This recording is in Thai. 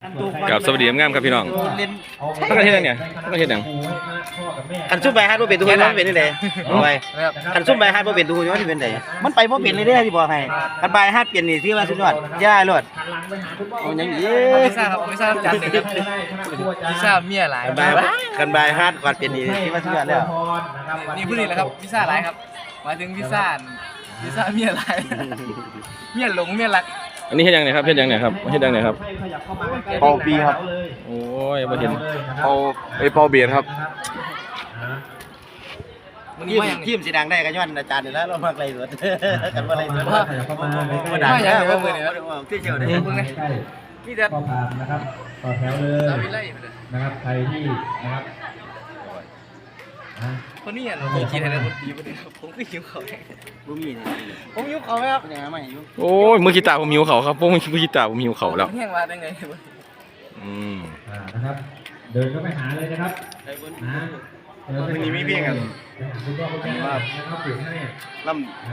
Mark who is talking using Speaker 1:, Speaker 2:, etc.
Speaker 1: กับสวัสดีงามครับพี่น้องมันก็เฮ็ดยังไงมันก็เฮ็ดยัง
Speaker 2: คันซุ่มใบฮัดบ่เป็นตัวมันเป็นจังได๋เอาไว้คันซุ่มใบฮัดบ่เป็นตัวมันสิเป็นได๋มันไปบ่เป็นเลยเด้อที่บอกให้คันใบฮัดเป็นนี่สิว่าสุดยอดย่าโลดเอาหยังอี
Speaker 3: ไม่ทราบครับไม่ทราบจัดเลยครับไม่ทราบเมียหลาย
Speaker 2: คันใบฮัดก่อนเป็นนี่สิว่าสุดยอดแล้ว
Speaker 3: นี่พูดนี่แหละครับพิซซ่าหลายครับหมายถึงพิซซ่าเมียหลายเมียหลงเมียรัก
Speaker 1: อันนี้เฮ็ดยังไงครับเฮ็ดยังไงครับเฮ็ดยังไงครับ
Speaker 4: เป่าปีครับ
Speaker 1: โอ้ยบ่เห็น
Speaker 4: เป่าเบียดครับ
Speaker 3: มันนี่ว่าอย่าง
Speaker 2: ทีมสิดังได้ก็ย้อนอาจารย์นี่แหล้วเรามักไล่สดกันบ่ไล่สด
Speaker 3: ว่า
Speaker 2: บ่ดัง
Speaker 3: ว่าอย่าง
Speaker 2: แล้ว
Speaker 3: ไรว่าเมื่อนี้
Speaker 2: ที่เชียวได้
Speaker 3: มึงไงนี่จะ
Speaker 5: ก็ผ่านนะครับต่อแถวเลย
Speaker 3: สาวิไลไปเลย
Speaker 5: นะครับใครที่นะครับ
Speaker 3: คนนี้อ่ะผมคิดอะไรคนดีประเดี๋ยวผมก็หิวเขา
Speaker 2: บ่มีนี่
Speaker 3: ผมหิวเขาไหมครับ
Speaker 2: เป็นยังไงมาอยู่
Speaker 1: โอ้ยมือกีตาร์ผมหิวเขาครับมือกีตาร์ผมหิวเขาแล้ว
Speaker 3: แห้งมาได้ไง
Speaker 5: นะครับ เดินเข้าไปหาเลยนะครับนะ
Speaker 4: วันนี้มีเพียงกัน
Speaker 5: คุณพ่อคุณแม่นะครับปลูกให้
Speaker 2: ลำ